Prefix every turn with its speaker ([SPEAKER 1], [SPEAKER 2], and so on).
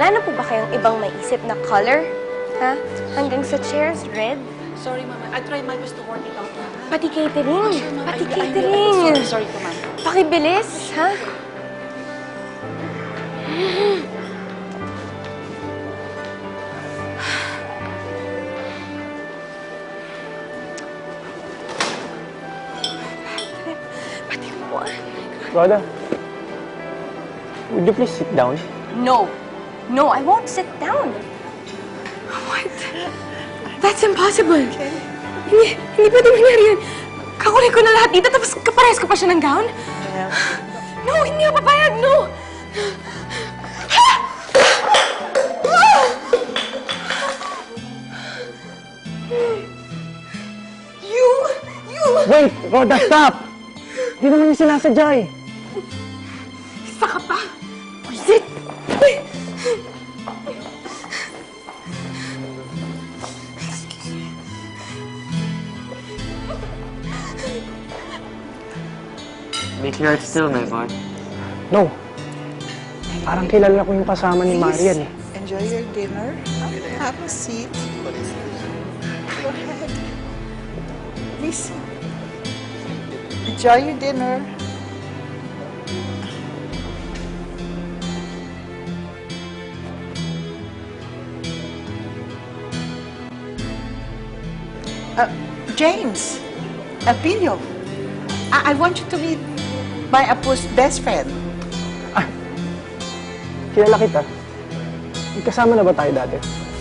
[SPEAKER 1] Wala na po ba kayong ibang maisip na color? Ha? Hanggang sa chairs, red?
[SPEAKER 2] Sorry, Mama. I tried my best to work it out, Mama.
[SPEAKER 1] Pati catering.
[SPEAKER 2] Sure, Ma'am.
[SPEAKER 1] Pati
[SPEAKER 2] I-
[SPEAKER 1] catering.
[SPEAKER 2] Sorry po, Ma'am.
[SPEAKER 1] Pakibilis, ha? Pati mo.
[SPEAKER 3] Rhoda, would you please sit down?
[SPEAKER 1] No. No, I won't sit down. What? That's impossible. Hindi pwede mangyari yun. Kakulay ko na lahat dito, tapos kaparehas ko pa siya ng gown? No, hindi ako papayag, no! You!
[SPEAKER 3] Wait! Rhoda, stop! Hindi naman yung sinasadya eh.
[SPEAKER 1] Isa ka pa! Buisit!
[SPEAKER 4] Make your heart still, my boy.
[SPEAKER 3] No. Parang kilala ko yung kasama ni Marian eh.
[SPEAKER 5] Enjoy your dinner. Have a seat. Go ahead. Please. Enjoy your dinner. James, Apilio, I want you to meet my Apu's best friend.
[SPEAKER 3] Kilala kita. Magkasama na ba tayo dati?